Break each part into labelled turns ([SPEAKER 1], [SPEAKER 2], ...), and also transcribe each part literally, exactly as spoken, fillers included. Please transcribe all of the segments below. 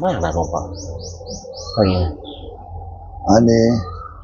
[SPEAKER 1] มากนะหลวงพ่ออะไรเงี้ย
[SPEAKER 2] อันนี้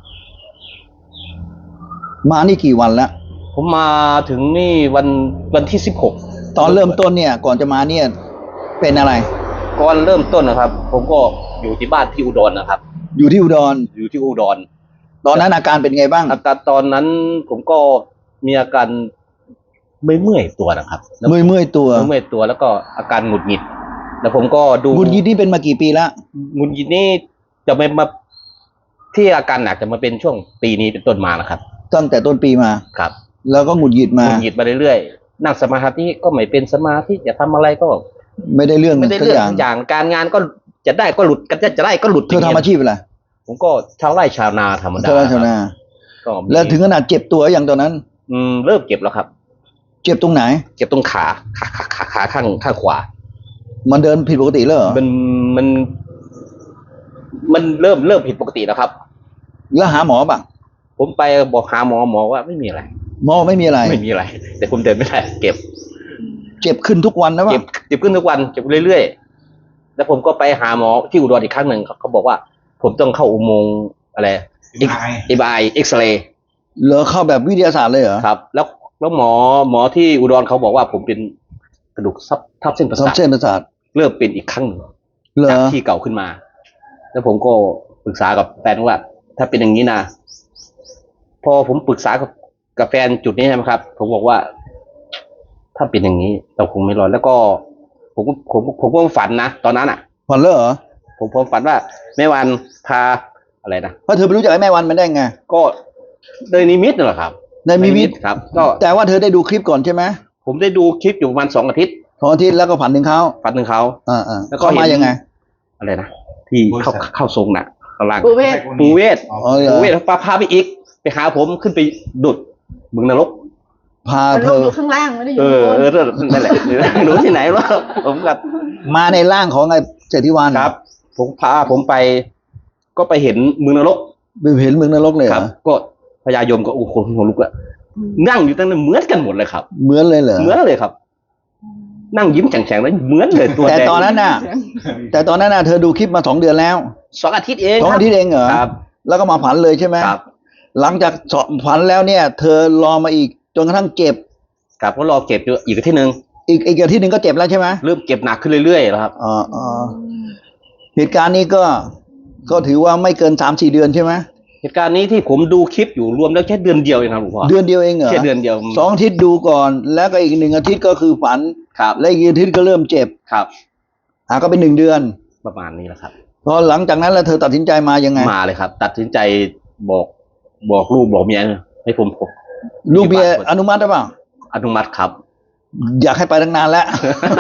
[SPEAKER 2] มานี่กี่วันแล้ว
[SPEAKER 1] ผมมาถึงนี่วันวันที่สิบหก
[SPEAKER 2] ตอนเริ่มต้นเนี่ย ก่อนจะมาเนี่ยเป็นอะไร
[SPEAKER 1] ก่อนเริ่มต้นนะครับ ผมก็อยู่ที่บ้านที่อุดรนะครับ
[SPEAKER 2] อยู่ที่อุดร
[SPEAKER 1] อยู่ที่อุดร
[SPEAKER 2] ตอนนั้นอาการเป็นไงบ้าง
[SPEAKER 1] อาการตอนนั้นผมก็มีอาการไม่เมื่อยตัวนะครับ
[SPEAKER 2] เมื่อยเมื่อยตัว
[SPEAKER 1] เมื่อยตัวแล้วก็อาการหงุดหงิดแล้วผมก็ดู
[SPEAKER 2] หงุดหงิดนี่เป็นมากี่ปีแล้ว
[SPEAKER 1] หงุดหงิดนี่จะไม่มาที่อาการหนักจะมาเป็นช่วงปีนี้เป็นต้นมานะครับ
[SPEAKER 2] ตั้งแต่ต้นปีมา
[SPEAKER 1] ครับ
[SPEAKER 2] แล้วก็หงุดหงิดมา
[SPEAKER 1] หงุดหงิดมาเรื่อยๆนั่งสมาธิก็ไม่เป็นสมาธิจะทำอะไรก็
[SPEAKER 2] ไม่ได้เรื่อง
[SPEAKER 1] ไม่ได้เรื่องอย่างการงานก็จะได้ก็หลุดกันจะได้ก็หลุด
[SPEAKER 2] เธอทำอาชีพอะไร
[SPEAKER 1] ผมก็ชาวไร่ชาวนาธรรมดา
[SPEAKER 2] ชาวนาก็แล้วถึงขนาดเจ็บตัวอย่างตอนนั้น
[SPEAKER 1] อืมเริ่มเจ็บแล้วครับ
[SPEAKER 2] เจ็บตรงไหน
[SPEAKER 1] เจ็บตรงขาขาขาขาขาข้างข้างขวา
[SPEAKER 2] มันเดินผิดปกติแล้วเหรอ
[SPEAKER 1] มันมันมันเริ่มเริ่มผิดปกติแล้วครับ
[SPEAKER 2] แล้วหาหมอป่ะ
[SPEAKER 1] ผมไปบอกหาหมอหมอว่าไม่มีอะไร
[SPEAKER 2] หมอไม่มีอะไร
[SPEAKER 1] ไม่มีอะไรแต่ผมเดินไม่ได้เจ็บ
[SPEAKER 2] เจ็บขึ้นทุกวันนะวะ
[SPEAKER 1] เจ็บเจ็บขึ้นทุกวันเจ็บเรื่อยๆแล้วผมก็ไปหาหมอที่อุดรอีกครั้งหนึ่งเขาบอกว่าผมต้องเข้าอุโมงค์อะไรเอ็มไอเอ็กซเรย์
[SPEAKER 2] เหรอเข้าแบบวิทยาศาสตร์เลยเหรอ
[SPEAKER 1] ครับแล้วแล้วหมอหมอที่อุดรเขาบอกว่าผมเป็นกระดูกทับทับเส้นประสาท
[SPEAKER 2] เส้นประสาท
[SPEAKER 1] เริ่มเป็นอีกครั้งหนึ่งจากที่เก่าขึ้นมาแล้วผมก็ปรึกษากับแฟนว่าถ้าเป็นอย่างนี้นะพอผมปรึกษากับกับแฟนจุดนี้ใช่ไหมครับผมบอกว่าถ้าเป็นอย่างนี้เราคงไม่รอดแล้วก็ผมผมผมก็ฝันนะตอนนั้นอ่ะ
[SPEAKER 2] ฝันเลยเหรอ
[SPEAKER 1] ผมผมฝันว่าแม่วันพาอะไรนะ
[SPEAKER 2] เพราะเธอไปรู้จักไอ้แม่วันมันได้ไง
[SPEAKER 1] ก็โดยนิมิตนั่นแหละครับ
[SPEAKER 2] ในนิมิต
[SPEAKER 1] ครับก็
[SPEAKER 2] แต่ว่าเธอได้ดูคลิปก่อนใช่ไหม
[SPEAKER 1] ผมได้ดูคลิปอยู่ประมาณสองอาทิตย์
[SPEAKER 2] สองอาทิตย์แล้วก็ฝันถึงเขา
[SPEAKER 1] ฝันถึงเขา
[SPEAKER 2] อ่าอ่าแล้วก็มายังไง
[SPEAKER 1] อะไรนะที่เข้าเข้าทรงน่ะข้างล่าง
[SPEAKER 3] ปูเวศ
[SPEAKER 1] ปูเวศปูเวศพาพาไปอีกไปหาผมขึ้นไปดุดบึงนรก
[SPEAKER 2] พาเธอ
[SPEAKER 3] อยู่ข้างล่างไม่ได้อยู่
[SPEAKER 1] เออเออนั่นแหละหนูที่ไหนวะผมกับ
[SPEAKER 2] มาในร่างของไอ้เจติวาน
[SPEAKER 1] ครับผมพาผมไปก็ไปเห็นบึงนรก
[SPEAKER 2] ไปเห็นบึงนรกเลย
[SPEAKER 1] ครับก็พญายมก็โอ้โหหัวลุกอะนั่งอยู่ตั้งนั้นเหมือนกันหมดเลยครับ
[SPEAKER 2] เหมือนเลยเหรอ
[SPEAKER 1] เหมือนเลยครับนั่งยิ้มแฉ่งๆแล้วเหมือนเลยตัวแดง
[SPEAKER 2] แต่ตอนนั้นน่ะแต่ตอนนั้นน่ะเธอดูคลิปมาสองเดือนแล้ว
[SPEAKER 1] สองอาทิตย์เอง
[SPEAKER 2] สองอาทิตย์เองเหรอ
[SPEAKER 1] ครับ
[SPEAKER 2] แล้วก็มาฝันเลยใช่ไหม
[SPEAKER 1] ครับ
[SPEAKER 2] หลังจากฝันแล้วเนี่ยเธอรอมาอีกจนกระทั่งเจ็บ
[SPEAKER 1] ครับก็รอเก็บอยู่อีกอาทิตย์นึง
[SPEAKER 2] อีกอีกอาทิตย์นึงก็เจ็บแล้วใช่ไหม
[SPEAKER 1] เริ่มเก็บหนักขึ้นเรื่อยๆแล้วครับ
[SPEAKER 2] อ๋ออ๋อเหตุการณ์นี้ก็ก็ถือว่าไม่เกินสามสี่เดือนใช่ไหม
[SPEAKER 1] เหตุการณ์นี้ที่ผมดูคลิปอยู่รวมแล้วแค่เดือนเดียวเองครับหลวงพ่อ
[SPEAKER 2] เดือนเดียวเองเหรอ
[SPEAKER 1] แค่เดือนเดียว
[SPEAKER 2] สองอาทิตย์ดูก่อนแล้วก็อีกหนึ่งอาทิตย์ก็คือฝัน
[SPEAKER 1] ครับ
[SPEAKER 2] และอีกอาทิตย์ก็เริ่มเจ็บ
[SPEAKER 1] ครับ
[SPEAKER 2] อ่าก็เป็นหนึ่งเดือน
[SPEAKER 1] ประมาณนี้แหละครับ
[SPEAKER 2] พอหลังจากนั้นแล้วเธอตัดสินใจมายังไง
[SPEAKER 1] มาเลยครับตัดสินใจบอกบอกลูกบอกเมียให้ผมผม
[SPEAKER 2] ลูกเมียอนุมัติหรือเปล่า
[SPEAKER 1] อนุมัติครับ
[SPEAKER 2] อยากให้ไปตั้งนานแล้ว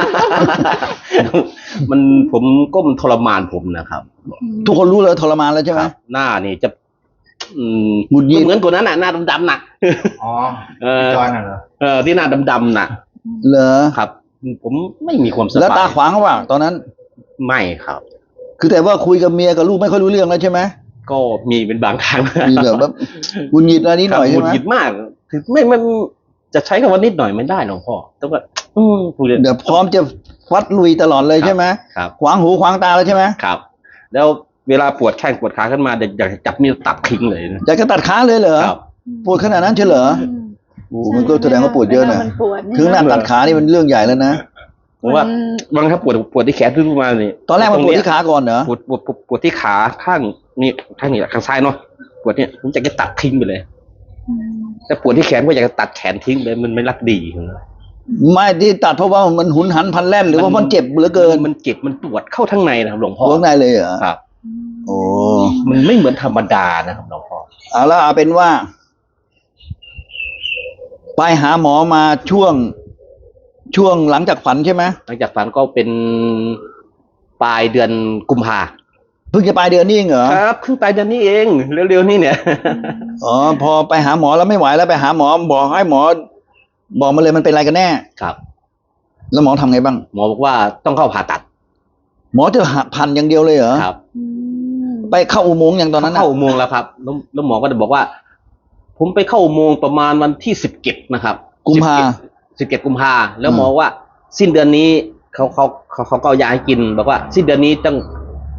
[SPEAKER 1] มันผมก็มันทรมานผมนะครับ
[SPEAKER 2] ทุกคนรู้เลยทรมานแล้วใช่ไหม
[SPEAKER 1] หน้านี่จะอืมหงุดหงิดเหมือนคนนั้นน่ะหน้าดำๆน่ะ
[SPEAKER 2] อ๋อ
[SPEAKER 1] เออเออที่หน้าดำๆน่ะ
[SPEAKER 2] เหรอ
[SPEAKER 1] ครับผมไม่มีความสบาย
[SPEAKER 2] แล้วตาขวางเขาว่าตอนนั้น
[SPEAKER 1] ไม่ครับ
[SPEAKER 2] คือแต่ว่าคุยกับเมียกับลูกไม่ค่อยรู้เรื่องแล้วใช่ไหม
[SPEAKER 1] ก็มีเป็นบางครั้ง
[SPEAKER 2] มีแบบหงุดหงิดอะไรนิดหน่อยใช่ไหม
[SPEAKER 1] หงุดหงิดมากคือไม่ไม่จะใช้คำว่านิดหน่อยไม่ได้หลวงพ่อต้องแบบอืม
[SPEAKER 2] เดี๋ยวพร้อมจะฟัดลุยตลอดเลยใช่ไหม
[SPEAKER 1] ครับ
[SPEAKER 2] ขวางหูขวางตาแล้วใช่ไหม
[SPEAKER 1] ครับแล้วเวลาปวดแข้งปวดขาขึ้นมาอยากจะจับมีดตัดทิ้งเลย
[SPEAKER 2] อยากจะตัดขาเลยเหรอปวดขนาดนั้นใช่เหรอโอ้มันก็แสดงว่าปวดเยอะนะถึงหน้าตัดขานี่มันเรื่องใหญ่แล้วนะ
[SPEAKER 1] ผมว่าบางครับปวดปวดที่แขนขึ้นมาเนี่ย
[SPEAKER 2] ตอนแรกมันปวดที่ขาก่อนเหรอ
[SPEAKER 1] ปวดปวดปวดที่ขาข้างนี่ข้างนี้แหละข้างซ้ายเนาะปวดเนี่ยผมอยากจะตัดทิ้งไปเลยแต่ปวดที่แขนก็อยากจะตัดแขนทิ้งเลยมันไม่รักดี
[SPEAKER 2] ไม่ที่ตัดเพราะว่ามันหุนหันพันแล่นหรือว่ามันเจ็บเหลือเกิน
[SPEAKER 1] มันเจ็บมันปวดเข้าทั้งในนะครับหลวงพ่อ
[SPEAKER 2] ข้างในเลยเหรอ
[SPEAKER 1] ครับ
[SPEAKER 2] โอ้
[SPEAKER 1] มันไม่เหมือนธรรมดานะครับหลวงพ่อ
[SPEAKER 2] เอาละเอาเป็นว่าไปหาหมอมาช่วงช่วงหลังจากฝันใช่ไหม
[SPEAKER 1] หลังจากฝันก็เป็นปลายเดือนกุมภา
[SPEAKER 2] เพิ่งจะปลายเดือนนี้เองเหรอ
[SPEAKER 1] ครับเพิ่งปลายเดือนนี้เองเร็วๆนี่เนี่ย
[SPEAKER 2] อ๋อพอไปหาหมอแล้วไม่ไหวแล้วไปหาหมอบอกให้หมอบอกมาเลยมันเป็นอะไรกันแน่
[SPEAKER 1] ครับ
[SPEAKER 2] แล้วหมอทำไงบ้าง
[SPEAKER 1] หมอบอกว่าต้องเข้าผ่าตัด
[SPEAKER 2] หมอจะพันอย่างเดียวเลยเหรอ
[SPEAKER 1] ครับ
[SPEAKER 2] ไปเข้าอุโมงค์อย่างตอนนั้น
[SPEAKER 1] เข้าอุโมงค์แล้วครับแล้วหมอก็จะบอกว่าผมไปเข้าอุโมงค์ประมาณวันที่สิบเจ็ดนะครับ
[SPEAKER 2] กุมภา
[SPEAKER 1] สิบเจ็ดกุมภาแล้วหมอว่าสิ้นเดือนนี้เขาเขาเขาเขาก็ยาให้กินบอกว่าสิ้นเดือนนี้ต้อง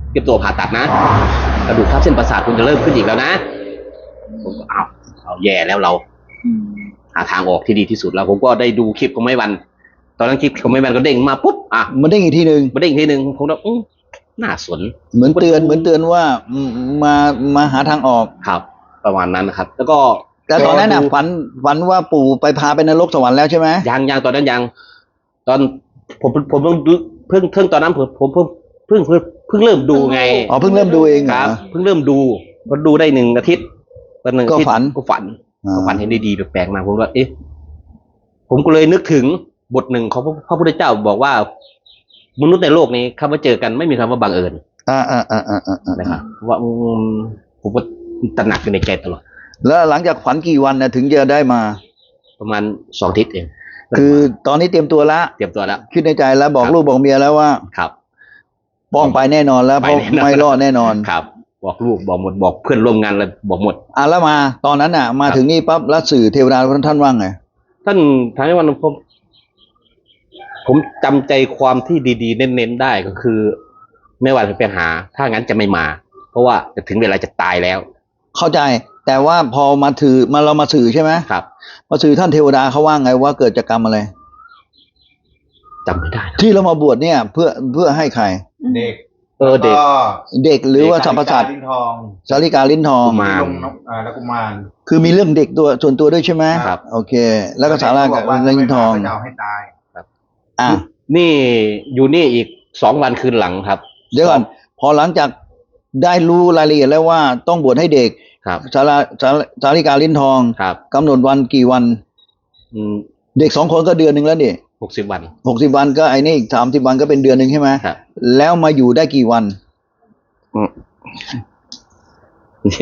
[SPEAKER 1] เตรียมตัวผ่าตัดนะกระดูกทับเส้นประสาทคุณจะเริ่มขึ้นอีกแล้วนะผมก็เอาเอาแย่แล้วเราหาทางออกที่ดีที่สุดแล้วผมก็ได้ดูคลิปของไม้วันตอนนั้นคลิปของไม้วันก็เด้งมาปุ๊บอ่ะ
[SPEAKER 2] มันได้อีกทีหนึ่ง
[SPEAKER 1] มาเด้งทีหนึ่งผมก็อื้อน่าสน
[SPEAKER 2] เหมือนเตือนเหมือนเตือนว่าอืมมามาหาทางออก
[SPEAKER 1] ครับ ประมาณนั้นนะครับ แล้วก็
[SPEAKER 2] แต่ตอนนั้นน่ะฝันฝันว่าปู่ไปพาไปนรกสวรรค์แล้วใช่ไหม
[SPEAKER 1] ยังยังตอนนั้นยัง ตอนผมผมเพิ่งเพิ่งเพิ่งตอนนั้นผมผมเพิ่งเพิ่งเพิ่งเพิ่งเริ่มดูไง
[SPEAKER 2] อ๋อเพิ่งเริ่มดูเองเห
[SPEAKER 1] ค
[SPEAKER 2] รอ
[SPEAKER 1] รับเพิ่งเริ่มดูพอดูได้หนึ่งอาทิตย์ตอนหนึ่งอาทิตย์
[SPEAKER 2] ก็ฝัน
[SPEAKER 1] ก็ฝัน
[SPEAKER 2] อ่า
[SPEAKER 1] ก็ฝันเห็นดีๆแปลกๆมาผมว่าเอ๊ะผมก็เลยนึกถึงบทหนึ่งของพระพุทธเจ้าบอกว่ามนุษย์ในโลกนี้คำว่าเจอกันไม่มีคำว่าบังเอิญ
[SPEAKER 2] อ่าอ่าอ่าอ่าอ่า
[SPEAKER 1] นะครับว่าอืมผมก็ตระหนักอยู่ในใจตลอด
[SPEAKER 2] แล้วหลังจากฝันกี่วันนะถึงจะได้มา
[SPEAKER 1] ประมาณสองอาทิตย์เอง
[SPEAKER 2] คือตอนนี้เตรียมตัวละ
[SPEAKER 1] เตรียมตัวแล้ว
[SPEAKER 2] คิดในใจแล้วบอก
[SPEAKER 1] ครับ
[SPEAKER 2] ลูกบอกเมียแล้วว่า
[SPEAKER 1] ครับ
[SPEAKER 2] ป้องไปแน่นอนแล้วเพราะ
[SPEAKER 1] ไปแน่นอน
[SPEAKER 2] ไม่รอดแน่นอน
[SPEAKER 1] ครับ บอกลูกบอกหมดบอกเพื่อนร่วมงานเลยบอกหมด
[SPEAKER 2] อ่ะแล้วมา ตอนนั้นน่ะ มา
[SPEAKER 1] ครับ
[SPEAKER 2] ถึงนี่ปั๊บแล้วสื่อเทวดาท่านว่างไง
[SPEAKER 1] ท่านทางในวันผมผมจำใจความที่ดีๆ เน้นๆได้ก็คือ ไม่ว่าจะไปหา ถ้างั้นจะไม่มา เพราะว่าจะถึงเวลาจะตายแล้ว
[SPEAKER 2] เข้าใจ แต่ว่าพอมาถือมาเรามาสื่อใช่ไหม
[SPEAKER 1] ครับ
[SPEAKER 2] มาสื่อท่านเทวดาเขาว่าไงว่าเกิดจากกรรมอะไร
[SPEAKER 1] จำไม่ได้นะ
[SPEAKER 2] ที่เรามาบวชเนี่ย เพื่อเพื่อให้ใคร
[SPEAKER 3] เด็ก
[SPEAKER 1] เออเด็ก
[SPEAKER 3] ก็
[SPEAKER 2] เด็กหรือว่าสัมปสัตว์
[SPEAKER 3] ลิ้นทอง
[SPEAKER 2] สาริกาลิ้นทอง
[SPEAKER 1] กุมาร
[SPEAKER 3] ลงนกอ่าแล้วกุมาร
[SPEAKER 2] คือมีเรื่องเด็กตัวส่วนตัวด้วยใช่ไหม
[SPEAKER 1] ครับ
[SPEAKER 2] โอเค แล้วก็สารากับ
[SPEAKER 3] บอกว่า
[SPEAKER 2] ลิ้นทอง
[SPEAKER 3] ไม่มาก็จะเอาให้ตาย
[SPEAKER 2] อ่ะ
[SPEAKER 1] นี่อยู่นี่อีกสองวันคืนหลังครับ
[SPEAKER 2] เดี๋ยวก่อนพอหลังจากได้รู้รายละเอียดแล้วว่าต้องบวชให้เด็ก
[SPEAKER 1] ครับ
[SPEAKER 2] สาราสาสาริกาลิ้นทอง
[SPEAKER 1] ครับ
[SPEAKER 2] กำหนดวันกี่วัน
[SPEAKER 1] อืม
[SPEAKER 2] เด็กสองคนก็เดือนหนึ่งแล้วนี่
[SPEAKER 1] หกสิบวัน
[SPEAKER 2] หกสิบวันก็ไอ้นี่สามสิบวันก็เป็นเดือนหนึ่งใช่ไหม
[SPEAKER 1] ครับ
[SPEAKER 2] แล้วมาอยู่ได้กี่วัน
[SPEAKER 1] อืมเนี่ย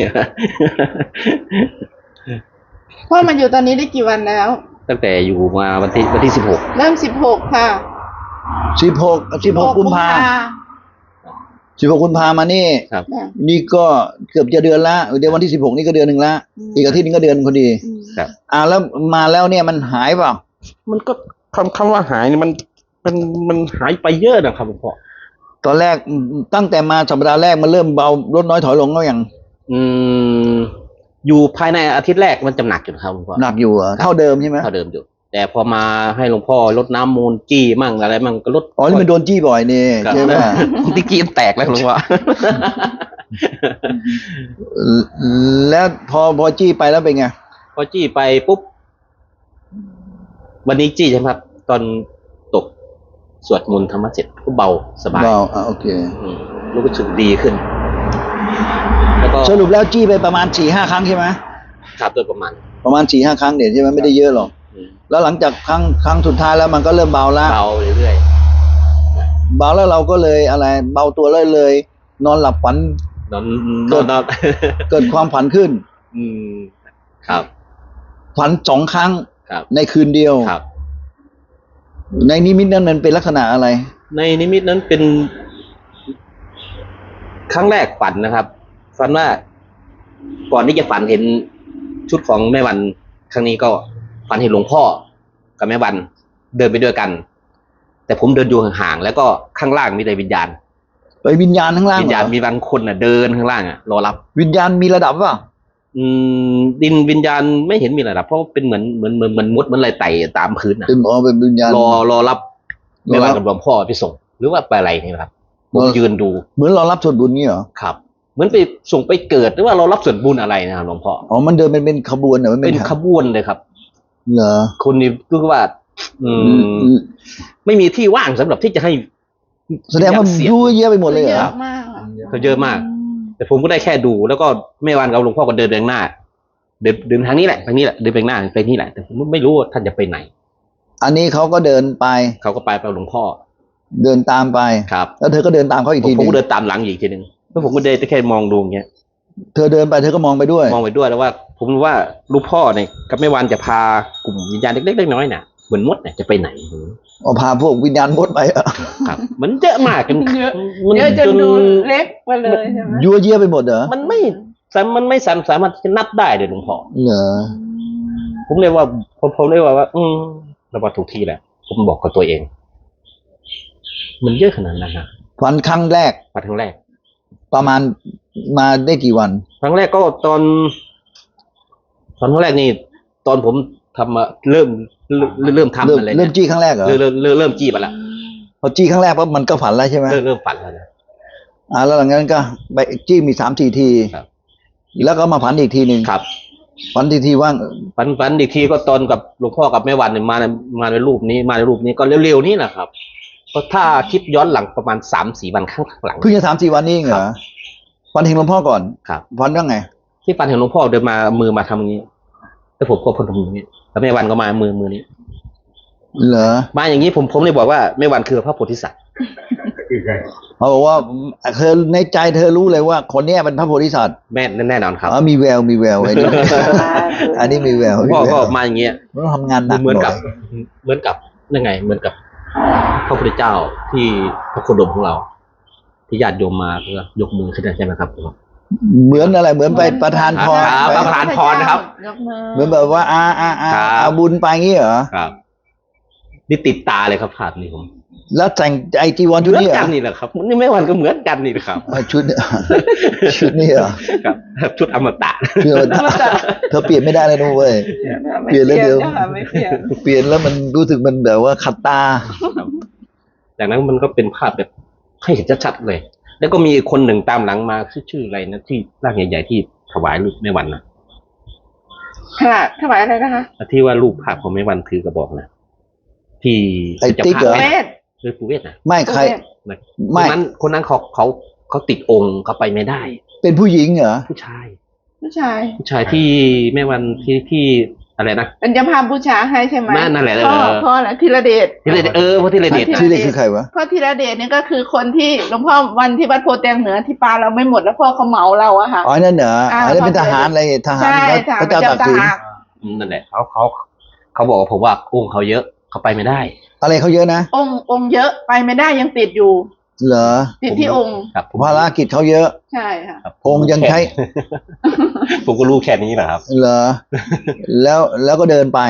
[SPEAKER 4] พ่อมาอยู่ตอนนี้ได้กี่วันแล้ว
[SPEAKER 1] ตั้งแต่อยู่มาวันที่วันที่สิบหก
[SPEAKER 4] เริ่มสิบหกค่ะ
[SPEAKER 2] สิบหกสิบหกกุมภาสิบหกกุมภามานี่
[SPEAKER 1] ครับ
[SPEAKER 4] เนี่ย
[SPEAKER 2] นี่ก็เกือบจะเดือนละเดือนวันที่สิบหกนี่ก็เดือนหนึ่งละ
[SPEAKER 4] อืม
[SPEAKER 2] อีกอาทิตย์นึงก็เดือนพอดี
[SPEAKER 4] อืม
[SPEAKER 1] ครับ
[SPEAKER 2] อ่าแล้วมาแล้วเนี่ยมันหายเปล่า
[SPEAKER 1] มันก็คำคำว่าหายนี่มันมันมันหายไปเยอะนะครับหลวงพ่อ
[SPEAKER 2] ตอนแรกตั้งแต่มาสัปดาห์แรกมันเริ่มเบาลดน้อยถอยลงแล้วยัง
[SPEAKER 1] อืม อยู่ภายในอาทิตย์แรกมันจะหนักอยู่นะครับหลวงพ่อ
[SPEAKER 2] หนักอยู่เหรอเท่าเดิมใช่ไหม
[SPEAKER 1] เท่าเดิมอยู่ แต่พอมาให้หลวงพ่อลดน้ำมูลจี้มั่งอะไรมั่งก็ลด
[SPEAKER 2] อ๋อนี่มันโดนจี้บ่อยนี่
[SPEAKER 1] ครับ
[SPEAKER 2] ใช่ไหม
[SPEAKER 1] ที่กี้แตกแล้วหลวงพ่อ
[SPEAKER 2] แล้วพอพอจี้ไปแล้วเป็นไง
[SPEAKER 1] พอจี้ไปปุ๊บวันนี้จี้ใช่ไหมครับ ตอนตกสวดมนต์ธรรมะเสร็จก็เบาสบาย
[SPEAKER 2] เบาอ่ะโอเค
[SPEAKER 1] อืมรู้สึกดีขึ้น แล้วก็
[SPEAKER 2] สรุปแล้วจี้ไปประมาณสี่ห้าครั้งใช่ไหม
[SPEAKER 1] ครับโดยประมาณ
[SPEAKER 2] ประมาณสี่ห้าครั้งเดี๋ยวใช่ไหมไม่ได้เยอะหรอก
[SPEAKER 1] อืม
[SPEAKER 2] แล้วหลังจากครั้งครั้งสุดท้ายแล้วมันก็เริ่มเบาละ
[SPEAKER 1] เบาเรื่อย
[SPEAKER 2] เบาแล้วเราก็เลยอะไร เบาตัวเลยเลย นอนหลับฝัน
[SPEAKER 1] ๆนอนน
[SPEAKER 2] เกิ
[SPEAKER 1] อน
[SPEAKER 2] ด
[SPEAKER 1] นอน
[SPEAKER 2] เกิดความฝันขึ้น
[SPEAKER 1] อืมครับ
[SPEAKER 2] ฝันสองครั้ง
[SPEAKER 1] ครับ
[SPEAKER 2] ในคืนเดียว
[SPEAKER 1] ครับ
[SPEAKER 2] ในนิมิตนั้นมันเป็นลักษณะอะไร
[SPEAKER 1] ในนิมิตนั้นเป็น ครั้งแรกฝันนะครับ ฝันว่า ก่อนที่จะฝันเห็นชุดของแม่วันครั้งนี้ก็ฝันเห็นหลวงพ่อกับแม่วันเดินไปด้วยกัน แต่ผมเดินอยู่ห่างๆแล้วก็ข้างล่างมีแต่วิญญาณ
[SPEAKER 2] ไปวิญญาณข้างล่าง
[SPEAKER 1] วิญ
[SPEAKER 2] เหร
[SPEAKER 1] ญาณ
[SPEAKER 2] อ
[SPEAKER 1] มีบางคนน่ะ เดินข้างล่างอ่ะรอรับ
[SPEAKER 2] วิญญาณมีระดับเปล่า
[SPEAKER 1] อืม ดินวิญญาณไม่เห็นมีอะไรหรอกเพราะเป็นเหมือนเหมือนเหมือนเหมือนมดเหมือนอะไรไต่ตามพื้นอ่ะ
[SPEAKER 2] เป็นอ๋อเป็นวิญญาณ
[SPEAKER 1] รอรอรับ
[SPEAKER 2] รอรับ
[SPEAKER 1] แม่วันกับหลวงพ่อไปส่ง หรือว่าไปอะไรนี่นะครับผม
[SPEAKER 2] รอ
[SPEAKER 1] ยืนดู
[SPEAKER 2] เหมือนเรารับส่วนบุญนี่เหรอ
[SPEAKER 1] ครับ เหมือนไปส่งไปเกิดหรือว่าเรารับส่วนบุญอะไรนะครับหลวงพ่อ
[SPEAKER 2] อ๋อมันเดินเป็นเป็นขบวนเหรอมัน
[SPEAKER 1] เป็
[SPEAKER 2] เป็น น
[SPEAKER 1] ขบวนเลยครับ
[SPEAKER 2] เหรอ
[SPEAKER 1] คนนี้คือว่า อืม ไม่มีที่ว่างสำหรับที่จะให้
[SPEAKER 2] แสดงว่า
[SPEAKER 1] เสีย
[SPEAKER 2] ยุ่ยเยอะไปหมดเลยเหร
[SPEAKER 4] เย
[SPEAKER 2] อ
[SPEAKER 4] อะมากอะ
[SPEAKER 1] เขาเยอะมาก แต่ผมก็ได้แค่ดู แล้วก็แม่วันกับหลวงพ่อก็เดินไปข้างหน้า เดินเดินทางนี้แหละทางนี้แหละเดินไปข้างหน้าไปนี่แหละแต่ผมไม่รู้ว่าท่านจะไปไหน
[SPEAKER 2] อันนี้เขาก็เดินไป
[SPEAKER 1] เขาก็ไปไปหลวงพ่อ
[SPEAKER 2] เดินตามไป
[SPEAKER 1] ครับ
[SPEAKER 2] แล้วเธอก็เดินตามเขาอีก
[SPEAKER 1] ผม
[SPEAKER 2] ทีห
[SPEAKER 1] ผม
[SPEAKER 2] นึง
[SPEAKER 1] ก็เดินตามหลังอีกทีหนึ่งแล้วผมก็เดินแค่มองดูอย่างเงี้ย
[SPEAKER 2] เธอเดินไปเธอก็มองไปด้วย
[SPEAKER 1] มองไปด้วยแล้วว่า ผมรู้ว่าลูกพ่อเนี่ยกับแม่วันจะพากลุ่มวิญญาณเล็กๆน้อยๆน่ะเหมือนมดเนี่ยจะไปไหน
[SPEAKER 2] เอาพาพวกวิญญาณมดไปอะ
[SPEAKER 1] ครับ มันเยอะมากจน
[SPEAKER 4] เยอะ
[SPEAKER 1] มัน
[SPEAKER 4] เยอะจนดูเล็กไปเลยใช่ไหม
[SPEAKER 2] ยั่วเยี่ยไปหมดเหรอ
[SPEAKER 1] มันไม่สามมันไม่สามสามารถจะนับได้เลยหลวงพ่อ
[SPEAKER 2] เหรอ
[SPEAKER 1] ผมเลยว่าผมผมเลยว่าว่า อืมเรามาถูกที่แหละผมบอกกับตัวเอง มันเยอะขนาดนั้นนะ
[SPEAKER 2] ฝันครั้งแรก
[SPEAKER 1] มาครั้งแรก
[SPEAKER 2] ประมาณมาได้กี่วัน
[SPEAKER 1] ครั้งแรกก็ตอนตอนครั้งแรกนี่ตอนผมทำมาเริ่มเริ่มเริ่มทำ
[SPEAKER 2] เริ่ม
[SPEAKER 1] อะไร
[SPEAKER 2] เริ่
[SPEAKER 1] เนี่
[SPEAKER 2] ม
[SPEAKER 1] ย
[SPEAKER 2] จี้ครั้งแรกเหรอ
[SPEAKER 1] เริ่มเริ่มเริ่มเริ่มจี้ไปละ
[SPEAKER 2] พอจี้ครั้งแรกปั๊บมันก็ฝันแล้วใช่ไหม
[SPEAKER 1] เริ่มเริ่มฝันแล้วนะ
[SPEAKER 2] อ่าแล้วหลังจากนั้นก็ไปจี้มีสามสี่ที
[SPEAKER 1] ครับ
[SPEAKER 2] แล้วก็มาฝันอีกทีหนึ่ง
[SPEAKER 1] ครับ
[SPEAKER 2] ฝันทีทีว่าง
[SPEAKER 1] ฝันฝันอีกทีก็ตอนกับหลวงพ่อกับแม่วันเนี่ยมาในมาในรูปนี้มาในรูปนี้ก็เร็วๆนี่แหละครับเพราะถ้าคิดย้อนหลังประมาณสามสี่วันข้างหลัง
[SPEAKER 2] เพิ่งจะสามสี่วันนี้เองเหร
[SPEAKER 1] ครั
[SPEAKER 2] อบ ฝันเห็นหลวงพ่อก่อน
[SPEAKER 1] ครับ
[SPEAKER 2] ฝันว่าไง
[SPEAKER 1] ที่ฝันเห็นหลวงพ่อเดินมามือมาทำอย่างนี้แล้วผมก็พนมอย่างนี้แล้วแม่วันก็มามือมือนี้
[SPEAKER 2] เหรอ
[SPEAKER 1] มาอย่างนี้ผมผมเลยบอกว่าแม่วันคือพระโพธิสัตว์
[SPEAKER 2] เขาบอกว่าเธอในใจเธอรู้เลยว่าคนเนี้ยเป็นพระโพธิสัตว์
[SPEAKER 1] แม่แน่นอนครับ
[SPEAKER 2] อ๋อมีแววมีแววไอ้นี่ อันนี้มีแวว
[SPEAKER 1] หลวง
[SPEAKER 2] มี
[SPEAKER 1] พ่อ
[SPEAKER 2] แว
[SPEAKER 1] ก็
[SPEAKER 2] ว
[SPEAKER 1] มาอย่างเงี้ย
[SPEAKER 2] มันต้องทำงานหนัก
[SPEAKER 1] เหมือนกับ
[SPEAKER 2] หย
[SPEAKER 1] เหมือนกับยังไง เหมือนกับพระพุทธเจ้าที่พระโคดมของเรา ที่ญาติโยมมาเพื่อยกมือขึ้นใช่ไหมครับ
[SPEAKER 2] เหมือนอะไรเหมือนไปประทานพร
[SPEAKER 1] ครับ
[SPEAKER 2] ไป
[SPEAKER 1] ประทานพรนะครับ
[SPEAKER 4] ยกมือ
[SPEAKER 2] เหมือนแบบว่าอาอาอา
[SPEAKER 1] ครับ
[SPEAKER 2] เอาบุญไปงี้เหรอ
[SPEAKER 1] ครับนี่ติดตาเลยครับภาพนี้ผม
[SPEAKER 2] แล้วแต่งไอจีวร
[SPEAKER 1] เห
[SPEAKER 2] ชุด
[SPEAKER 1] มือน
[SPEAKER 2] นี้เหร
[SPEAKER 1] กั
[SPEAKER 2] อน
[SPEAKER 1] นี่แหละครับนี่แม่วันก็เหมือนกันนี่แหละครับ
[SPEAKER 2] อ่าชุด ชุดนี้เหรอ
[SPEAKER 1] ครับชุดอมตะ
[SPEAKER 2] คือเธอเปลี่ยนไม่ได้เลยนุ้เว้ย เปลี่ยนแล้วเดี๋ยว
[SPEAKER 4] ค่ะไม่เปลี่ยน
[SPEAKER 2] เปลี่ยนแล้วมันรู้สึกมันแบบว่าขัดตา
[SPEAKER 1] ครับจากนั้นมันก็เป็นภาพแบบให้เห็นชัดๆเลย แล้วก็มีคนหนึ่งตามหลังมาชื่อชื่ออะไรนะที่ร่างใหญ่ๆที่ถวายรูปแม่วันนะ
[SPEAKER 4] ขนาดถวายอะไรนะคะ
[SPEAKER 1] ที่ว่ารูปภาพของแม่วันถือกระบอกนะที่
[SPEAKER 2] ไอ้
[SPEAKER 1] จะ
[SPEAKER 2] ติ๊ก
[SPEAKER 1] พา
[SPEAKER 2] เหรอ
[SPEAKER 1] แม่
[SPEAKER 4] เวท
[SPEAKER 1] หรือปูเวศนะ
[SPEAKER 2] ไม่ใคร
[SPEAKER 1] นะค
[SPEAKER 2] ไม่
[SPEAKER 1] นนั้นคนนั้นเขาเขาเขาติดองค์เขาไปไม่ได้
[SPEAKER 2] เป็นผู้หญิงเหรอ
[SPEAKER 1] ผู้ชาย
[SPEAKER 4] ผู้ชาย
[SPEAKER 1] ผู้ชายที่แม่วันที่ที่อะไรนะ
[SPEAKER 4] เป็นเจ้าภาพบูชาให้ใช่ไหม
[SPEAKER 1] นั่นนั่นแหละ
[SPEAKER 4] พ่อ
[SPEAKER 1] เออ
[SPEAKER 4] พ่อแหละธีรเดช
[SPEAKER 1] ที่เลยเออพระที่เลยเดช
[SPEAKER 2] ชื่อเรียกคือใครวะ
[SPEAKER 4] พ่อธีรเดชนี่ก็คือคนที่หลวงพ่อวันที่วัดโพแตงเหนือที่ปลาเราไม่หมดแล้วพ่อเขาเหมาเราอะค่ะ
[SPEAKER 2] อ๋อนั่นเหรออ๋อนั่นเป็นทหารอะไรทหาร
[SPEAKER 4] ใช่
[SPEAKER 2] พระเจ้าตากสิน
[SPEAKER 1] อืมนั่นแหละเขาเขาเขาบอกกับผมว่าองค์เขาเยอะเขาไปไม่ได้
[SPEAKER 2] อะไรเขาเยอะนะ
[SPEAKER 4] องค์องค์เยอะไปไม่ได้ยังติดอยู่
[SPEAKER 2] เหรอ
[SPEAKER 4] ติดที่องค์
[SPEAKER 1] ครับผม
[SPEAKER 2] ภารกิจเขาเยอะ
[SPEAKER 4] ใช่ค่ะ
[SPEAKER 1] ครับ
[SPEAKER 2] องค์ยังใช้
[SPEAKER 1] ผมก็รู้แค่นี้แหละครับ
[SPEAKER 2] เหรอ แล้วแล้วก็เดินไป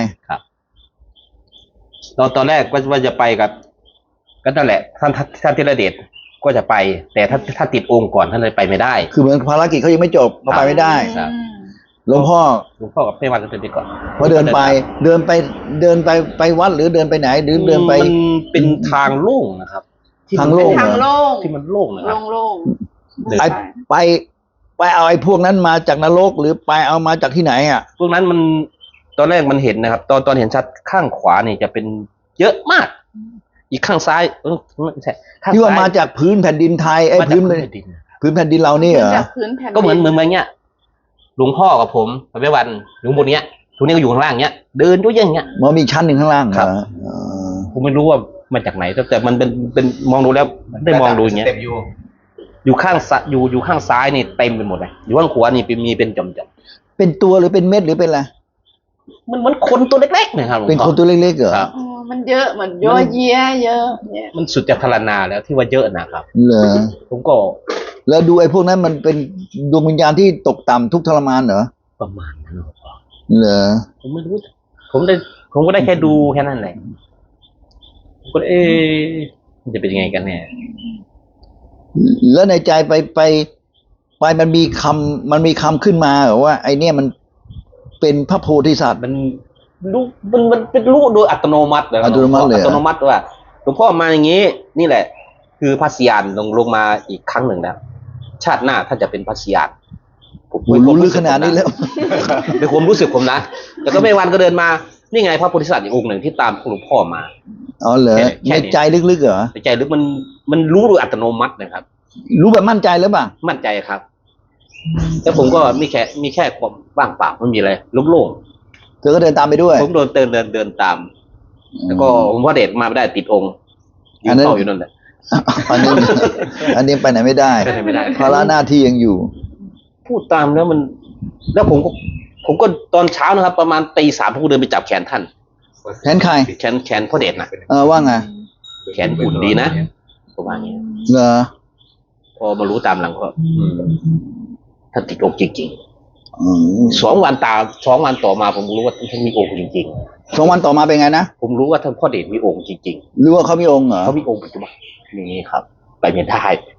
[SPEAKER 1] ตอนตอนแรกก็ว่าจะไปกับก็นั่นแหละท่านท่านท่านธีรเดชก็จะไป แต่ถ้าถ้าติดองค์ก่อนท่านเลยไปไม่ได้
[SPEAKER 2] คือเหมือนภารกิจเขายังไม่จบเขาไปไม่ได้
[SPEAKER 1] ครับ
[SPEAKER 4] อืม
[SPEAKER 2] หลวงพ่อ
[SPEAKER 1] หลวงพ่อกับแม่วันก็เดินไปก่อน
[SPEAKER 2] พอเดินไป เดินไปเดินไปไปวัดหรือเดินไปไหนหรือเดินไป
[SPEAKER 1] มันเป็นทางโล่งนะครับที่
[SPEAKER 2] ทางโล่ง
[SPEAKER 4] ทางโล่ง
[SPEAKER 1] ที่มันโล่งนะครับ
[SPEAKER 4] โล่งๆ
[SPEAKER 1] เดิน
[SPEAKER 2] ไอไปไปเอาไอ้พวกนั้นมาจากนรกหรือไปเอามาจากที่ไหนอ่ะ
[SPEAKER 1] พวกนั้นมันตอนแรกมันเห็นนะครับ ตอนตอนเห็นชัดข้างขวานี่จะเป็นเยอะมาก อีกข้างซ้ายเออไม่ใช่ข้าง
[SPEAKER 2] ที่ว่า
[SPEAKER 1] ซ้ย
[SPEAKER 2] มาจากพื้นแผ่นดินไทยไอ้
[SPEAKER 1] มาจาก
[SPEAKER 2] พื้น
[SPEAKER 1] พื้นแผ่นดิน
[SPEAKER 2] พื้นแผ่นดินเรานี่เหรอ
[SPEAKER 4] จากพื้นแผ่นดิ
[SPEAKER 1] ก็เหมือนเหมือนเหมือนเงี้ยหลวงพ่อกับผมกับแม่วันอยู่บนเนี้ยทุกนี้ก็อยู่ข้างล่างเนี้ย เดินด้วยอย่างเงี้ย
[SPEAKER 2] มันมีชั้นหนึ่งข้างล่างเห
[SPEAKER 1] ค
[SPEAKER 2] ร
[SPEAKER 1] รั
[SPEAKER 2] อบ อ๋อ
[SPEAKER 1] ผมไม่รู้ว่ามาจากไหนแต่แต่มันเป็นเป็นมองดูแล้วได้มองดูอย่างเงี้ยอยู่ข้างซ้ายอยู่อยู่ข้างซ้ายนี่เต็มไปหมดเลยอยู่ข้างขวานี่เป็นมีเป็นจอมจอม
[SPEAKER 2] เป็นตัวหรือเป็นเม็ดหรือเป็นอะไร
[SPEAKER 1] ๆมันเหมือนคนตัวเล็กๆนะครับหลวง
[SPEAKER 2] เป็น
[SPEAKER 1] พ่อ
[SPEAKER 2] คนตัวเล็กๆเหรอ
[SPEAKER 1] ครับ
[SPEAKER 4] อ๋อมันเยอะเหมือนย่อเยี้ยเยอะเนี่ย
[SPEAKER 1] มันสุดจะทรนาแล้วที่ว่าเยอะนะครับ
[SPEAKER 2] เหรอ
[SPEAKER 1] ผมก็
[SPEAKER 2] แล้วดูไอ้พวกนั้นมันเป็นดวงวิญญาณที่ตกต่ำทุกข์ทรมานเหรอ
[SPEAKER 1] ประมาณนั้นหลวงพ่อ
[SPEAKER 2] เหรอ
[SPEAKER 1] ผมไม่รู้ ผมได้ ผมก็ได้แค่ดูแค่นั้นแหละผมก็เอ๊ะมันจะเป็นยังไงกันแน่
[SPEAKER 2] แล้วในใจไปไปไปมันมีคำมันมีคำขึ้นมาเหรอว่าไอเนี่ยมันเป็นพระโพธิสัตว์
[SPEAKER 1] มันรู้มันมันเป็นรู้โดยอัตโนมัติเลย
[SPEAKER 2] อัตโนมัติเลยเหรอ
[SPEAKER 1] อัตโนมัติว่าหลวงพ่อมาอย่างนี้ นี่แหละ คือพระสยานลงลงมาอีกครั้งหนึ่งแล้วชาติหน้าท่านจะเป็นพระสยานผม
[SPEAKER 2] โอ้รู้ลึกขนาดนี้แล้ว
[SPEAKER 1] เป็นความรู้สึกผมนะแต่ก็ไม่วันก็เดินมานี่ไงพระโพธิสัตว์อีกองค์หนึ่งที่ตามหลวงพ่อมา
[SPEAKER 2] อ๋อเหรอ
[SPEAKER 1] แค่แค่
[SPEAKER 2] ใน
[SPEAKER 1] นี้
[SPEAKER 2] ใจลึกๆเหรอ
[SPEAKER 1] ในใจหรือมันมันรู้โดยอัตโนมัตินะครับ
[SPEAKER 2] รู้แบบมั่นใจหรือเปล่า
[SPEAKER 1] มั่นใจครับแล้วผมก็มีแค่มีแค่ความว่างเปล่าไม่มีอะไรโล่ง
[SPEAKER 2] เธอก็เดินตามไปด้วย
[SPEAKER 1] ๆผมโดนเดินเดินเดินตาม แล้วก็หลวงพ่อเดชมาไม่ได้ติดองค์ยื
[SPEAKER 2] อั
[SPEAKER 1] น
[SPEAKER 2] นนั้น
[SPEAKER 1] เฝ้าอยู่นั่นแหละ
[SPEAKER 2] อันนี้อันนี้ไปไหนไม่ได้
[SPEAKER 1] ไปไหนไม่ได้
[SPEAKER 2] ภาระหน้าที่ยังอยู่
[SPEAKER 1] พูดตามแล้วมัน แล้วผมก็ผมก็ตอนเช้านะครับ ประมาณตีสามผมก็เดินไปจับแขนท่าน
[SPEAKER 2] แขนใคร
[SPEAKER 1] แขนแขนพ่อเดชนะ
[SPEAKER 2] เออว่าไง
[SPEAKER 1] แขนหุ่นดีนะประมาณนี้
[SPEAKER 2] เหรอ
[SPEAKER 1] พอมารู้ตามหลังก็อืมท่านติดองค์จริง
[SPEAKER 2] อืม
[SPEAKER 1] ๆสองวันตามสองวันต่อมาผมรู้ว่าท่านมีองค์จริง
[SPEAKER 2] สองวันต่อมาเป็นไงนะ
[SPEAKER 1] ๆ ผมรู้ว่าท่านพ่อเดชมีองค์จริง
[SPEAKER 2] รู้ว่าเขามีองค์เหรอ
[SPEAKER 1] ๆเขามีองค์ปัจจุบันนี่ครับ ไปไม่ได้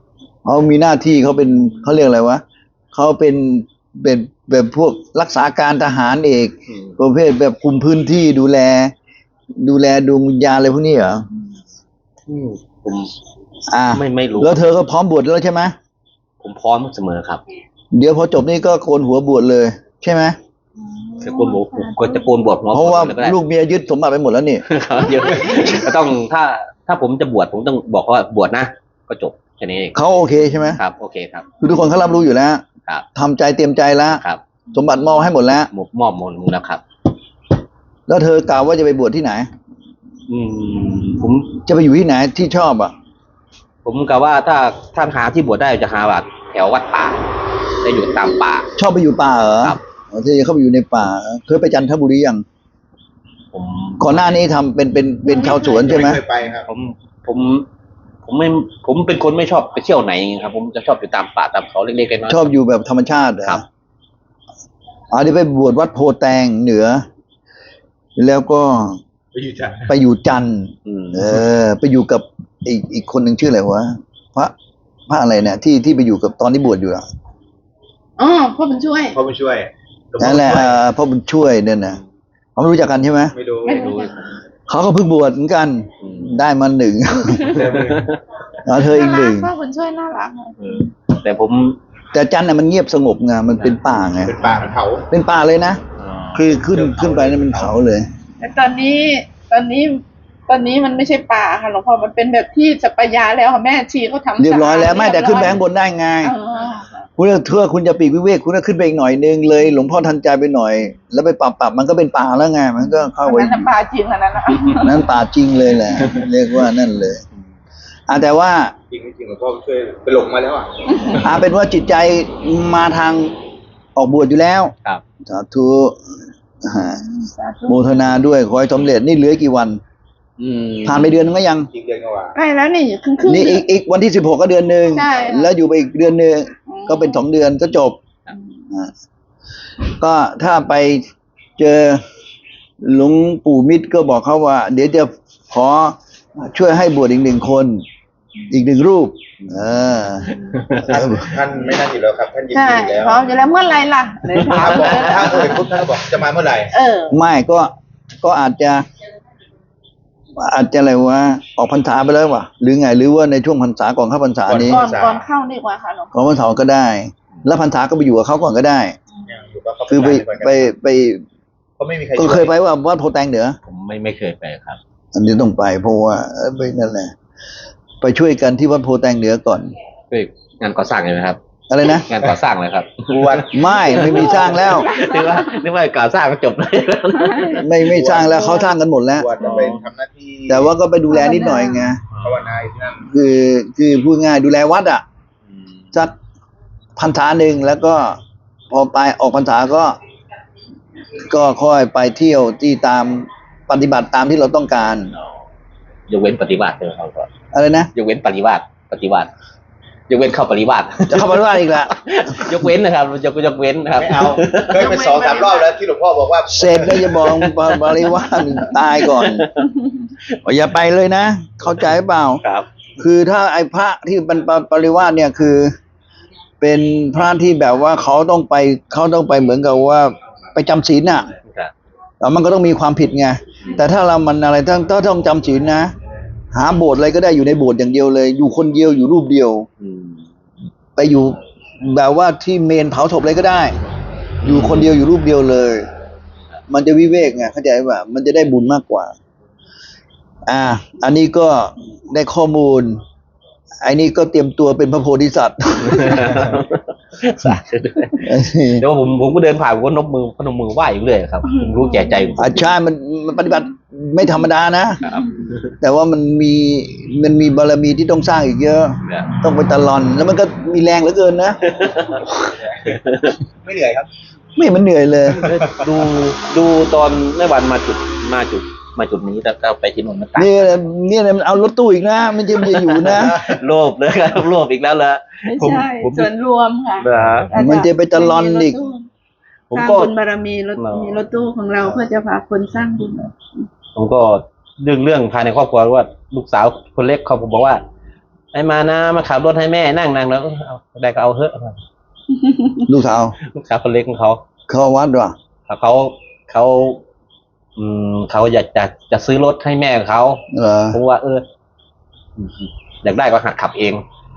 [SPEAKER 2] เขามีหน้าที่เขาเป็นเขาเรียกอะไรวะเขาเป็นเป็นแบบพวกรักษาการทหารเอก
[SPEAKER 1] อืม
[SPEAKER 2] ประเภทแบบคุมพื้นที่ดูแล ดูแลดวงวิญญาณอะไรพวกนี้เหรอ
[SPEAKER 1] อืมผม
[SPEAKER 2] อ่า
[SPEAKER 1] ไม่ไม่รู้
[SPEAKER 2] แล้วเธอก็พร้อมบวชแล้วใช่ไหม
[SPEAKER 1] ผมพร้อมเสมอครับ
[SPEAKER 2] เดี๋ยวพอจบนี่ก็โกนหัวบวชเลย ใช่ไหม
[SPEAKER 1] จะโกนหัวผมก็จะโกนบวชหัว
[SPEAKER 2] เพราะว่า
[SPEAKER 1] ผมก็ได้
[SPEAKER 2] ลูกเมียยึดสมบัติไปหมดแล้วนี่
[SPEAKER 1] ครับเดี๋ยวก็ต้องถ้าถ้าผมจะบวชผมต้องบอกว่าบวชนะก็จบแค่นี้เอง
[SPEAKER 2] เขาโอเคใช่ไหม
[SPEAKER 1] ครับ โอเคครับ
[SPEAKER 2] คือทุกคนเขารับรู้อยู่แล้ว
[SPEAKER 1] ครับ
[SPEAKER 2] ทำใจเตรียมใจแล้ว
[SPEAKER 1] ครับ
[SPEAKER 2] สมบัติมอบให้หมดแล้ว
[SPEAKER 1] มอบมอบหมดแล้วครับ
[SPEAKER 2] แล้วเธอกล่าวว่าจะไปบวชที่ไหน
[SPEAKER 1] อืมผม
[SPEAKER 2] จะไปอยู่ที่ไหนที่ชอบอ่ะ
[SPEAKER 1] ผมกะว่าถ้าถ้าหาที่บวชได้จะหาวัดแถววัดป่าจะอยู่ตามป่า
[SPEAKER 2] ชอบไปอยู่ป่าเหรอ
[SPEAKER 1] ครับ
[SPEAKER 2] อ๋อที่จะเข้าไปอยู่ในป่าเคยไปจันทบุรียัง
[SPEAKER 1] ผม
[SPEAKER 2] ก่อนหน้านี้ทำเป็นเป็นเป็นชาวสวนใช่ไหม
[SPEAKER 3] เคยไปครับ
[SPEAKER 1] ผมผม ผมไม่ผมเป็นคนไม่ชอบไปเที่ยวไหนอย่างเงี้ยครับ ผมจะชอบอยู่ตามป่าตามเขาเล็กๆน้อยๆ
[SPEAKER 2] ชอบอยู่แบบธรรมชาติเหรอ
[SPEAKER 1] ครับ
[SPEAKER 2] อ๋อที่ไปบวชวัดโพแตงเหนือ แล้วก็
[SPEAKER 3] ไปอยู่จันทร์
[SPEAKER 2] ไปอยู่จันทร์
[SPEAKER 1] อืม
[SPEAKER 2] เออ ไปอยู่กับอีกอีกคนหนึ่งชื่ออะไรวะพระพระอะไรเนี่ยที่ที่ไปอยู่กับตอนที่บวชอยู่อะ
[SPEAKER 4] อ๋อพ่อบุญช่วย
[SPEAKER 3] พ่อบุญช่วยหลวงพ่อ
[SPEAKER 2] นั่นแหละ
[SPEAKER 3] ช่วย
[SPEAKER 2] เอ่อพ่อบุญช่วยเนี่ยนะเขาไม่รู้จักกันใช่ไหม
[SPEAKER 3] ไม่รู้
[SPEAKER 4] ไม่
[SPEAKER 1] ไม่
[SPEAKER 4] รู้
[SPEAKER 1] รู้
[SPEAKER 2] เขาก็เพิ่งบวชเหมือนกัน
[SPEAKER 1] อืม
[SPEAKER 2] ได้มาหนึ่ง
[SPEAKER 3] เริ่มเลย
[SPEAKER 2] แล้วเธออีกหนึ่ง
[SPEAKER 4] พ่อบุญช่วยน่ารัก
[SPEAKER 1] เออแต่ผม
[SPEAKER 2] แต่จันทร์น่ะมันเงียบสงบไงมันเป็นป่าไง
[SPEAKER 3] เป็นป่าเป็นเขา
[SPEAKER 2] เป็นป่าเลยนะคือขึ้นขึ้นไปนั่นเป็นเขาเลย
[SPEAKER 4] แต่ตอนนี้ตอนนี้ ตอนนี้มันไม่ใช่ป่าค่ะหลวงพ่อมันเป็นแบบที่สัปยาแล้วค่ะแม่ชีเขาทำ
[SPEAKER 2] เรียบร้อยแล้ว
[SPEAKER 4] สะาด
[SPEAKER 2] ไม่แต่ขึ้นไปข้างบนได้ไง
[SPEAKER 4] เออ
[SPEAKER 2] คุณเพื่อคุณจะปีกวิเวกคุณก็ขึ้นไปอีกหน่อยนึงเลย หลวงพ่อทันใจไปหน่อย แล้วไปปรับปรับมันก็เป็นป่าแล้วไงมันก็เข้า
[SPEAKER 4] อัน
[SPEAKER 2] ไป
[SPEAKER 4] นั้นน่ะป่าจริงอันนั้นนะ
[SPEAKER 2] นั่นป่าจริงเลยแหละ เรียกว่านั่นเลยอ่ะแต่ว่า
[SPEAKER 3] จริงจริงหลวงพ่อบุญช่วยไปหลงมาแล้วอ่ะ
[SPEAKER 2] อ่ะเป็นว่าจิตใจมาทางออกบวชอยู่แล้ว
[SPEAKER 1] ครับ
[SPEAKER 2] สาธุอ่า
[SPEAKER 4] สาธุ
[SPEAKER 2] โมทนาด้วยขอให้สำเร็จนี่เหลือกี่วัน
[SPEAKER 1] อืม
[SPEAKER 2] ผ่านไปเดือนนึงก็ยัง
[SPEAKER 3] จริงเดือนกว่า
[SPEAKER 4] ใกล้แล้วนี่ครึ่งครึ่ง
[SPEAKER 2] นี่อีกอีกวันที่สิบหกก็เดือนหนึ่ง
[SPEAKER 4] ใช่
[SPEAKER 2] แล้วอยู่ไปอีกเดือนหนึ่งก็เป็นสองเดือนก็จบอ่าก็ถ้าไปเจอหลวงปู่มิตรก็บอกเขาว่า เดี๋ยวจะขอช่วยให้บวชอีกหนึ่งคน อีกหนึ่งรูป เออ
[SPEAKER 3] ท่านท่านไม่นั่นอยู่แล้วครับ ท่านยิน
[SPEAKER 4] ใช่
[SPEAKER 3] ดีอยู่แล้ว
[SPEAKER 4] พร้อมอยู่แล้วเมื่อไหรล่ะเลยถา
[SPEAKER 3] ถ้าม บอกถ้าเอ่ยปุ๊บท่านก็บอกจะมาเมื่อไหร่
[SPEAKER 4] เออ
[SPEAKER 2] ไม่ก็ก็อาจจะ อาจจะอะไรวะออกพรรษาไปแล้ววะหรือไงหรือว่าในช่วงพรรษาก่อนเข้าพรรษานี้
[SPEAKER 4] ก่อนก่อนเข้าดีกว่าค่ะหลวงพ่อ
[SPEAKER 2] ก่อนพรรษาก็ได้ แล้วพรรษาก็ไปอยู่กับเขาก่อนก็ได้
[SPEAKER 3] อยู่กับเขา
[SPEAKER 2] คือไป
[SPEAKER 3] ก่อนกัน
[SPEAKER 2] ไปไป
[SPEAKER 3] เขาไม่มีใคร
[SPEAKER 2] ก็เคยไปว่าวัดโพแตงเหนือ
[SPEAKER 1] ผมไม่ไม่เคยไปครับ
[SPEAKER 2] อันนี้ต้องไปเพราะว่าเออไปนั่นแหละ ไปช่วยกันที่วัดโพแตงเหนือก่อน
[SPEAKER 1] เฮ้ยงานก่อสร้างเลยไหมครับ
[SPEAKER 2] อะไรนะ
[SPEAKER 1] งานก่อสร้างเลยครับ
[SPEAKER 3] บวช
[SPEAKER 2] ไม่ไม่มีสร้างแล้ว
[SPEAKER 1] นึกว่านึกว่าก่อสร้างก็จบเลย
[SPEAKER 2] ไม่ไม่สร้างแล้วเขาสร้างกันหมดแล้ว
[SPEAKER 3] บวชจะไปทำหน้าที่
[SPEAKER 2] แต่ว่าก็ไปดูแลนิดหน่อยไง
[SPEAKER 3] ภาวนาอยู่ที่นั่น
[SPEAKER 2] คือคือพูดง่ายดูแลวัดอ่ะสักพรรษาหนึ่งแล้วก็พอไปออกพรรษาก็ ก็ค่อยไปเที่ยวที่ตามปฏิบัติตามที่เราต้องการ
[SPEAKER 1] ยกเว้นปฏิบัติเลยครับก็
[SPEAKER 2] อะไรนะ
[SPEAKER 1] ยกเว้นปฏิบัติปฏิบัติยกเว้นเข้าปฏิบัติ
[SPEAKER 2] จะเข้าปฏิบัติอีกละ
[SPEAKER 1] ยกเว้นนะครับยกยกเว้นนะครับ
[SPEAKER 3] ไม่เอาเคยเป็นสองสามรอบแล้วที่หลวงพ่อบอกว่า
[SPEAKER 2] เสร็จแล้วจะบอกบริวารตายก่อนอย่าไปเลยนะ เข้าใจเปล่า
[SPEAKER 1] ครับ
[SPEAKER 2] คือถ้าไอ้พระที่เป็นปริวาสเนี่ยคือ เป็นพระที่แบบว่าเขาต้องไปเขาต้องไปเหมือนกับว่าไปจำศีลน่ะ
[SPEAKER 1] ครับ
[SPEAKER 2] แล้วมันก็ต้องมีความผิดไงแต่ถ้าเรามันอะไรถ้าถ้าต้องจำศีลนะ หาโบสถ์อะไรก็ได้อยู่ในโบสถ์อย่างเดียวเลย อยู่คนเดียวอยู่รูปเดียว
[SPEAKER 1] อืม
[SPEAKER 2] ไปอยู่แบบว่าที่เมนเผาศพเลยก็ได้ อยู่คนเดียวอยู่รูปเดียวเลย มันจะวิเวกไงเข้าใจป่ะมันจะได้บุญมากกว่า อ่า อันนี้ก็ได้ข้อมูลไอ้นี่ก็เตรียมตัวเป็นพระโพธิสัตว์
[SPEAKER 1] สาธุด้วยเดี๋ยวผมผมก็เดินผ่านผมก็นบมือพนมมือไหว้อยู่เลยครับผมรู้แก่ใจผม
[SPEAKER 2] อาชามันมันปฏิบัติไม่ธรรมดานะ
[SPEAKER 1] ครับ
[SPEAKER 2] แต่ว่ามันมีมันมีบารมีที่ต้องสร้างอีกเยอะ
[SPEAKER 1] เนี่ย
[SPEAKER 2] ต้องไปตะลอน แล้วมันก็มีแรงเหลือเกินนะ
[SPEAKER 3] ไม่เหนื่อยครับ
[SPEAKER 2] ไม่มันเหนื่อยเลย
[SPEAKER 1] ดูดูตอนแม่วันมาจุดมาจุดมาจุดนี้แล้วก็ไปที่นนท์มันต่าง
[SPEAKER 2] นี่นี่มันเอารถตู้อีกนะมันจะมันจะอยู่นะ
[SPEAKER 1] โลภเลยครับโลภอีกแล้วเหรอ
[SPEAKER 4] ไม่
[SPEAKER 1] ผม
[SPEAKER 4] ใช่
[SPEAKER 1] ผม
[SPEAKER 4] ส่วนรวมค่ะ
[SPEAKER 1] เหรอ
[SPEAKER 2] มันจะไปตะลอนอีก
[SPEAKER 1] ผม
[SPEAKER 4] สร้าง
[SPEAKER 1] ก็
[SPEAKER 4] บุญบารมีรถ
[SPEAKER 1] เรามี
[SPEAKER 4] มีรถตู้ของเราเพื่อจะพาคนสร้างบุญ
[SPEAKER 1] ผมก็เรื่องเรื่องภายในครอบครัวว่าลูกสาวคนเล็กเขาผมบอกว่าไอ้มานะมาขับรถให้แม่นั่งนั่งแล้วเอาได้ก็เอาเถอะ
[SPEAKER 2] ลูกสาว
[SPEAKER 1] ลูกสาวคนเล็กของเขา
[SPEAKER 2] เข้าวัดว่ะ
[SPEAKER 1] เขาเขาอืมเขาอยากจะจะซื้อรถให้แม่เขา
[SPEAKER 2] เหรอ
[SPEAKER 1] ผมว่า เอออยากได้ก็หัดขับเอง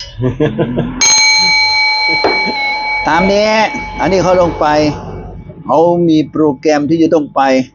[SPEAKER 2] ตามนี้ อันนี้เขาลงไป เขามีโปรแกรมที่จะต้องไป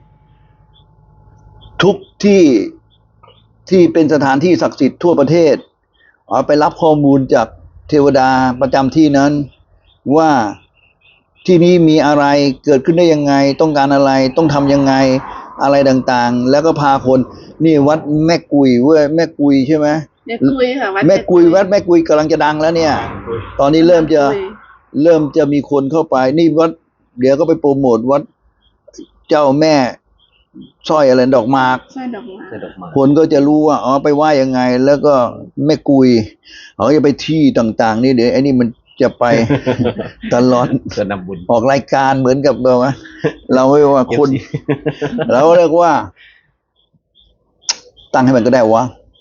[SPEAKER 2] ทุกที่ที่เป็นสถานที่ศักดิ์สิทธิ์ทั่วประเทศเอาไปรับข้อมูลจากเทวดาประจำที่นั้น ว่าที่นี้มีอะไรเกิดขึ้นได้ยังไง ต้องการอะไรต้องทำยังไงอะไรต่างๆ แล้วก็พาคน นี่วัดแม่กุยเว้ยแม่กุยใช่ไหม
[SPEAKER 4] แม่กุยค่ะวัด
[SPEAKER 2] แม่กุยวัดแม่กุยกำลังจะดังแล้วเนี่ย ตอนนี้เริ่มจะ
[SPEAKER 4] แม่กุย
[SPEAKER 2] เริ่มจะมีคนเข้าไป นี่วัด เดี๋ยวก็ไปโปรโมทวัดเจ้าแม่สร้อยอะไรดอกหมาก
[SPEAKER 4] สร้อยดอกไม้
[SPEAKER 1] เสด็จมา
[SPEAKER 2] คนก็จะรู้ว่าอ๋อไปไหว้ยังไง แล้วก็แม่กุยเขาจะไปที่ต่าง ๆ นี่เดี๋ยวไอ้นี่มันจะไป ตลอด
[SPEAKER 1] เกินนำบุญ
[SPEAKER 2] ออกรายการเหมือนกับเราไหมเราไม่ว่าคน เราเรียกว่า ตั้งให้มันก็ได้วะ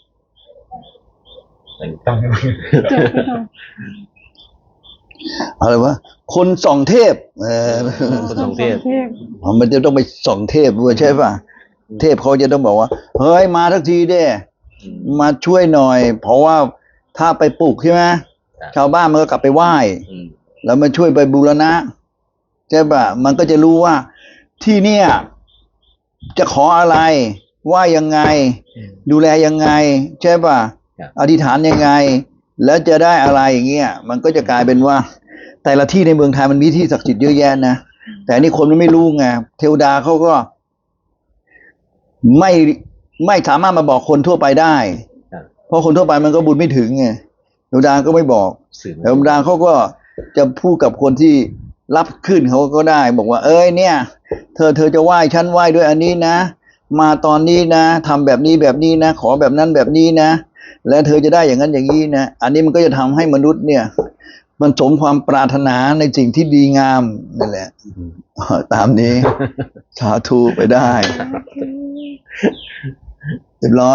[SPEAKER 3] ตั้งให้มัน
[SPEAKER 4] เกิดขึ้นมา
[SPEAKER 2] อะไรวะคนส่องเทพเออ
[SPEAKER 1] คนสองเทพ
[SPEAKER 4] เทพ
[SPEAKER 2] มันจะต้องไปส่องเทพด้วยใช่ป่ะเทพเขาจะต้องบอกว่าเฮ้ยมาทักทีเด้มาช่วยหน่อย เพราะว่าถ้าไปปลูกใช่ไหมชาวบ้านมันก็กลับไปไหว้
[SPEAKER 1] อืม
[SPEAKER 2] แล้วมาช่วยไปบูรณะใช่ป่ะมันก็จะรู้ว่าที่เนี่ย จะขออะไรว่ายังไง ดูแลยังไงใช่ป่ะอธิษฐานยังไง แล้วจะได้อะไรอย่างเงี้ยมันก็จะกลายเป็นว่า แต่ละที่ในเมืองไทยมันมีที่ศักดิ์สิทธิ์เยอะแยะนะแต่อันนี่คนมันไม่รู้ไงเทวดาเขาก็ ไม่ไม่สามารถมาบอกคนทั่วไปได้ เพราะคนทั่วไปมันก็บุญไม่ถึงไงเทวดาก็ไม่บอก
[SPEAKER 1] สื่อ
[SPEAKER 2] เทวดาเขาก็จะพูดกับคนที่รับขึ้นเขาก็ได้ บอกว่า เอ้ยเนี่ย เธอเธอจะไหว้ฉันไหว้ด้วยอันนี้นะมาตอนนี้นะทำแบบนี้แบบนี้นะขอแบบนั้นแบบนี้นะและเธอจะได้อย่างนั้นอย่างนี้นะอันนี้มันก็จะทำให้มนุษย์เนี่ย มันสมความปรารถนาในสิ่งที่ดีงามนั่นแหละตามนี้ สาธุไปได้เรียบร้อย